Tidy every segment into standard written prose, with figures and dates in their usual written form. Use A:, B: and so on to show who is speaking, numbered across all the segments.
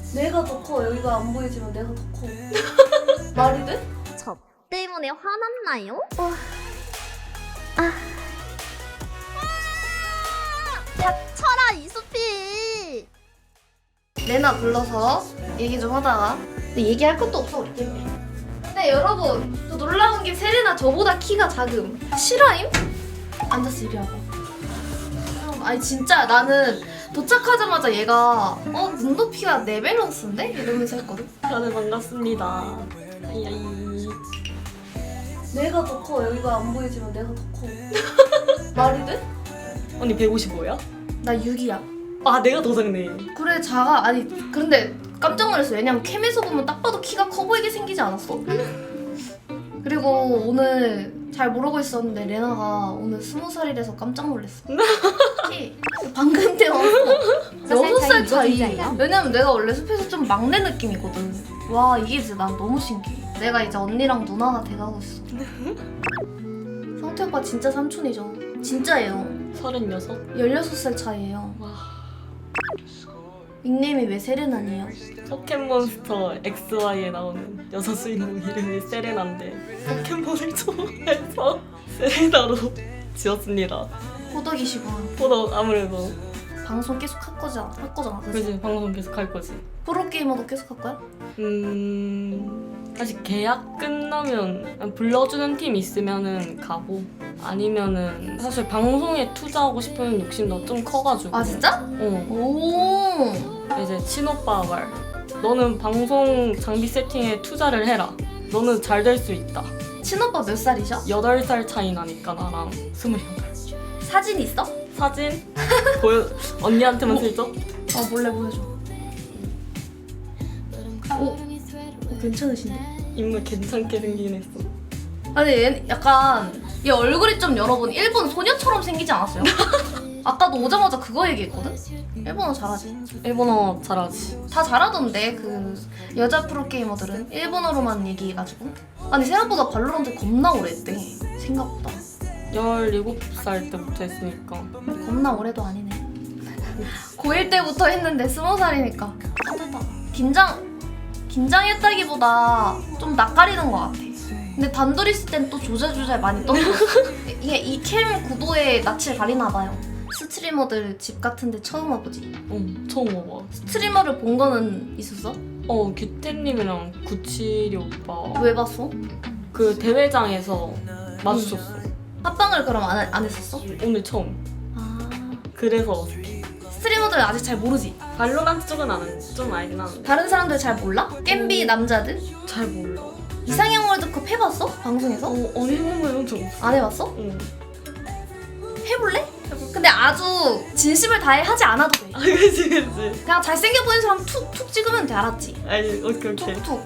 A: 내가 더 커. 여기가 안 보이지만 내가 더 커. 말이 돼?
B: 저 때문에 화났나요? 닥쳐라 이수피!
A: 레나 불러서 얘기 좀 하다가 근데 얘기할 것도 없어 우리 때문에. 근데 여러분 또 놀라운 게 세레나 저보다 키가 작음. 실화임? 앉았어 이리 와봐. 아니 진짜 나는 도착하자마자 얘가 눈높이가 내 밸런스인데? 이러면서 했거든.
C: 다들 반갑습니다.
A: 내가 더 커. 여기가 안 보이지만 내가 더 커. 말이 돼?
C: 언니 155야?
A: 나 6이야.
C: 아 내가 더 작네.
A: 그래 작아. 아니 그런데 깜짝 놀랐어. 왜냐면 캠에서 보면 딱 봐도 키가 커 보이게 생기지 않았어? 그리고 오늘 잘 모르고 있었는데 레나가 오늘 20살이라서 깜짝 놀랐어. 키 방금 태어났어. 6살 차이. 왜냐면 내가 원래 숲에서 좀 막내 느낌이거든. 와 이게 진짜 난 너무 신기해. 내가 이제 언니랑 누나가 돼가고 있어. 성태 오빠 진짜 삼촌이죠. 진짜예요.
C: 36?
A: 16살 차이예요.
C: 와.
A: 닉네임이 왜 세레나니에요?
C: 포켓몬스터 XY에 나오는 여자 주인공 이름이 세레나인데 포켓몬을 좋아해서 세레나로 지었습니다.
A: 호덕이시구나.
C: 보다 아무래도
A: 방송 계속 할 거잖아. 그치?
C: 그지 방송 계속 할 거지.
A: 프로게이머도 계속 할 거야?
C: 사실 계약 끝나면 불러주는 팀 있으면은 가고 아니면은 사실 방송에 투자하고 싶은 욕심도 좀 커가지고.
A: 아 진짜? 오.
C: 이제 친오빠가 말. 너는 방송 장비 세팅에 투자를 해라. 너는 잘 될 수 있다.
A: 친오빠 몇 살이셔?
C: 8살 차이 나니까 나랑 28.
A: 사진 있어?
C: 사진 보여 언니한테만 슬쩍.
A: 몰래 보여줘. 오, 괜찮으신데?
C: 인물 괜찮게 생기긴 했어.
A: 아니 얘 약간 얘 얼굴이 좀 여러분 일본 소녀처럼 생기지 않았어요? 아까도 오자마자 그거 얘기했거든? 일본어 잘하지?
C: 일본어 잘하지.
A: 다 잘하던데 그 여자 프로게이머들은 일본어로만 얘기해가지고. 아니 생각보다 발로란트 겁나 오래 했대. 생각보다
C: 17살 때부터 했으니까.
A: 겁나 오래도 아니네. 고1 때부터 했는데 20살이니까 긴장했다기보다 좀 낯가리는 것 같아. 근데 단둘이 있을 땐 또 조잘조잘 많이 떠들어. 이게 이 캠 구도에 낯을 가리나 봐요. 스트리머들 집 같은데 처음 와보지.
C: 처음 와봐.
A: 스트리머를 본 거는 있었어?
C: 규태님이랑 972 오빠
A: 왜 봤어?
C: 그 대회장에서 마주쳤어.
A: 합방을 그럼 안 했었어?
C: 오늘 처음.
A: 아
C: 그래서
A: 스트리머들 아직 잘 모르지?
C: 발로란트 쪽은 아는 좀 알긴 하는데
A: 다른 사람들 잘 몰라? 겜비 남자들?
C: 잘 몰라.
A: 이상형 월드컵 해봤어? 방송에서?
C: 아니 해본 적 없어.
A: 안 해봤어?
C: 응.
A: 해볼래? 근데 아주 진심을 다해 하지 않아도 돼.
C: 그치.
A: 그냥 잘생겨 보이는 사람 툭툭 찍으면 돼. 알았지?
C: 아니 오케이.
A: 툭툭.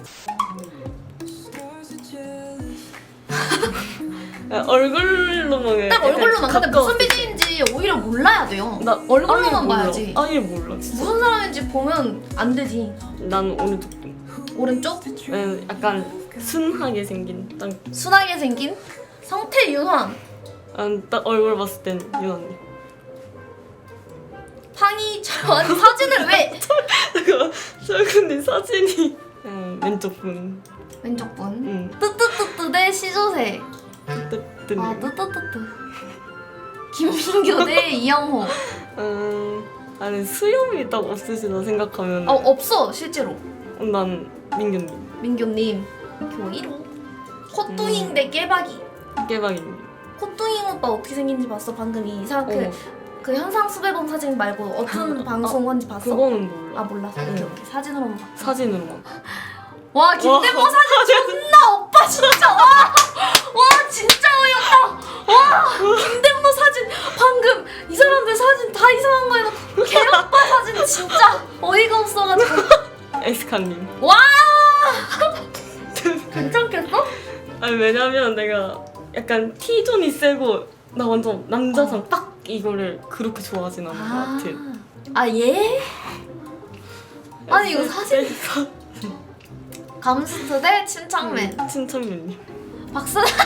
C: 얼굴로만
A: 딱 얼굴로만. 근데
C: 가까워.
A: 무슨 BJ인지 오히려 몰라야 돼요.
C: 나
A: 얼굴로만 봐야지.
C: 아예 몰라 진짜.
A: 무슨 사람인지 보면 안 되지.
C: 난 오늘도
A: 오른쪽?
C: 약간 순하게 생긴
A: 순하게 생긴 성태윤환.
C: 딱 얼굴 봤을 땐 유언니.
A: 팡이처럼. 아니 사진을 왜?
C: 잠깐만 근데 사진이 왼쪽 분.
A: 왼쪽 분.
C: 응.
A: 뜨뜨뜨뜨 대 시조새.
C: 뜨뜨뜨.
A: 아 뜨뜨뜨뜨. 김민교 대 이영호.
C: 아니 수염이 딱 없으시다 생각하면
A: 없어 실제로.
C: 난 민규님.
A: 민교님. 교 1호. 콧둥잉 대 깨박이.
C: 깨박이님.
A: 콧둥잉 오빠 어떻게 생긴지 봤어? 방금 이 이상 그 현상 수배범 사진 말고 어떤 방송인지 봤어?
C: 그거는 몰라.
A: 아 몰랐어. 오케이. 사진으로만 봤어.
C: 사진으로만.
A: 와 김대모 사진 존나 오빠 진짜 와 진짜 어이없다. 와 김대모 사진 방금 이 사람들 사진 다 이상한 거 해놓고 개오빠 사진 진짜 어이가 없어가지고.
C: 에스카님.
A: 와 괜찮겠어?
C: 아니 왜냐면 내가 약간 T존이 세고 나 완전 남자상 딱 이거를 그렇게 좋아하진 않는 것 같아.
A: 아 예? 아니 이거 사진 감스트 대 침착맨.
C: 침착맨님.
A: 박사장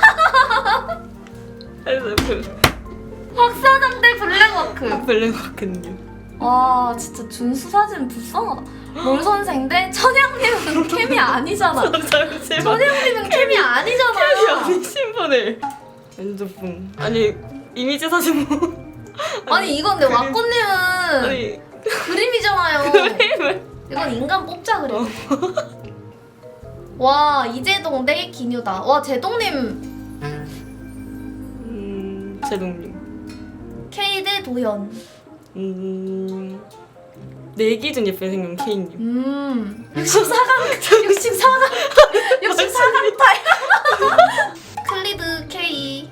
C: 아니
A: 박사장 대 블랙워크.
C: 블랙워크님.
A: 와 진짜 준수 사진 불쌍하다. 롤 선생 대 천양님은 캠이 아니잖아.
C: 잠시만.
A: 천양님은 캠이 아니잖아.
C: 아니 신분을 엔조풍. 아니 이미지 사진 뭐.
A: 아니 이건 내 왁구님은
C: 아니
A: 그림이잖아요.
C: 그림을.
A: 이건 인간 뽑자 그래. 와 이재동 대 기뉴다. 와 제동님
C: 제동님.
A: K 대 도현.
C: 내 기준 예쁘게 생긴 K님.
A: 64강 64강 타임. 클리드 K.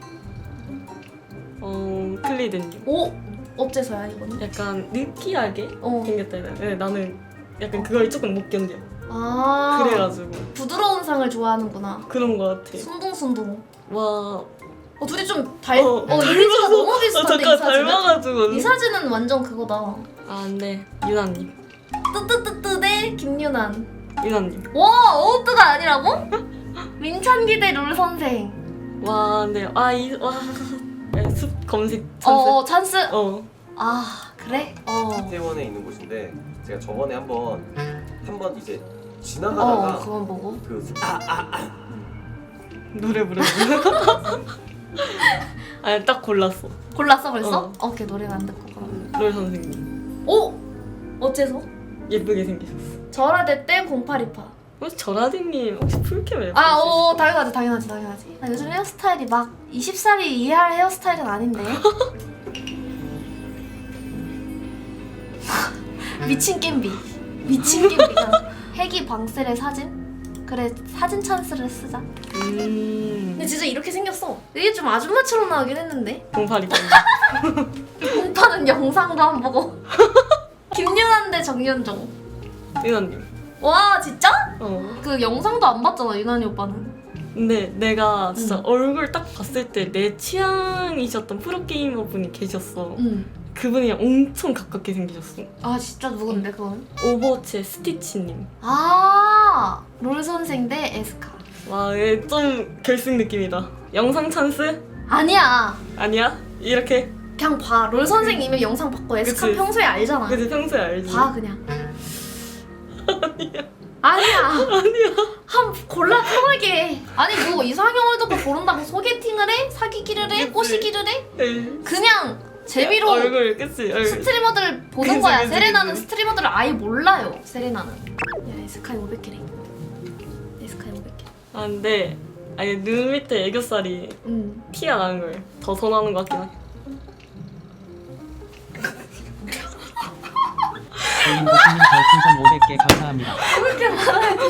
C: 클리드님.
A: 오 어째서야 이거는?
C: 약간 느끼하게
A: 어.
C: 생겼다 해야 되나? 나는 약간 그걸 조금 못 견뎌.
A: 아
C: 그래가지고
A: 부드러운 상을 좋아하는구나.
C: 그런 거 같아.
A: 순둥순둥.
C: 와.
A: 둘이 좀 이미지가 너무 비슷한데 이
C: 잠깐
A: 사진은?
C: 닮아가지고.
A: 이 사진은 완전 그거다.
C: 아 근데 유나님.
A: 뜨뜨뜨뜨 대 김유난.
C: 유나님.
A: 와 어뜨가 아니라고? 민찬기 대 룰 선생.
C: 와 근데 숲 검색 찬스.
A: 찬스.
C: 어.
A: 그래?
D: 이태원에 있는 곳인데 제가 저번에 한번 이제 지나가다가
A: 그건 뭐고?
D: 그
C: 노래 부르는. 아니 딱 골랐어.
A: 골랐어 벌써? 오케이 노래는 안 듣고 그럼.
C: 롤 선생님.
A: 오! 어째서?
C: 예쁘게 생기셨어.
A: 절하대 때 0828.
C: 혹시 전하디님 혹시 풀캠 앨범?
A: 당연하지. 나 요즘 헤어스타일이 막 20살이 이해할 헤어스타일은 아닌데. 미친 겜비가 핵이 방셀의 사진? 그래 사진 찬스를 쓰자. 근데 진짜 이렇게 생겼어. 이게 좀 아줌마처럼 나오긴 했는데.
C: 0828.
A: 공파는 영상도 안 보고. 김유난 대 정윤종.
C: 유나님.
A: 와 진짜?
C: 그
A: 그 영상도 안 봤잖아 유난히 오빠는.
C: 근데 내가 진짜 얼굴 딱 봤을 때 내 취향이셨던 프로게이머 분이 계셨어. 그분이랑 엄청 가깝게 생기셨어.
A: 아 진짜 누군데 그건?
C: 오버워치의 스티치님.
A: 롤 선생 대 에스카.
C: 와, 얘 좀 결승 느낌이다. 영상 찬스?
A: 아니야.
C: 아니야? 이렇게?
A: 그냥 봐. 롤 선생님의 영상 봤고 에스카
C: 그치.
A: 평소에 알잖아.
C: 그치, 평소에 알지.
A: 봐 그냥. 아니야. 한 골라 편하게. 아니 뭐 이상형을 듣고 고른다고 소개팅을 해? 사귀기를 해?
C: 그치.
A: 꼬시기를 해?
C: 에이.
A: 그냥 재미로
C: 얼굴, 그치? 얼굴.
A: 스트리머들 보는
C: 그치,
A: 거야.
C: 그치,
A: 세레나는
C: 그치.
A: 스트리머들을 아예 몰라요. 세레나는. 야 에스카이 500개래. 에스카이 500개.
C: 아, 근데 아니 눈 밑에 애교살이 티가 나는 걸 더 선호하는 것 같긴 해.
E: 개인 호수님 별풍선 500개 감사합니다.
A: 그렇게 말하지.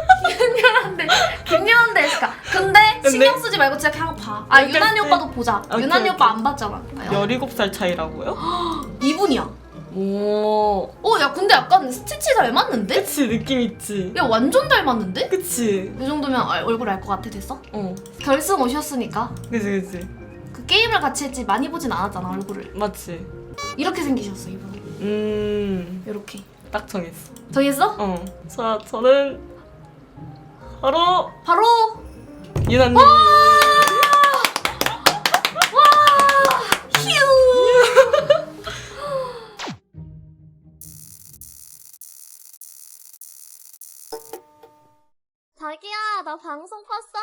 A: 김유한 대 에스카. 근데 신경 쓰지 말고 진짜 그냥 봐.
C: 오케이,
A: 유난히
C: 오케이.
A: 오빠도 보자.
C: 오케이,
A: 유난히
C: 오케이.
A: 오빠 안 봤잖아.
C: 17살 차이라고요?
A: 이분이야.
C: 오.
A: 야 근데 약간 스티치 닮았는데?
C: 그치, 느낌 있지?
A: 야 완전 닮았는데?
C: 그치?
A: 이 정도면 얼굴 알 것 같아 됐어?
C: 어.
A: 결승 오셨으니까
C: 그치.
A: 그 게임을 같이 했지 많이 보진 않았잖아 얼굴을.
C: 맞지?
A: 이렇게 생기셨어 이분. 이렇게.
C: 딱 정했어.
A: 정했어?
C: 자, 저는 바로
A: 바로
C: 유나님.
A: 휴.
B: 자기야 나 방송 봤어.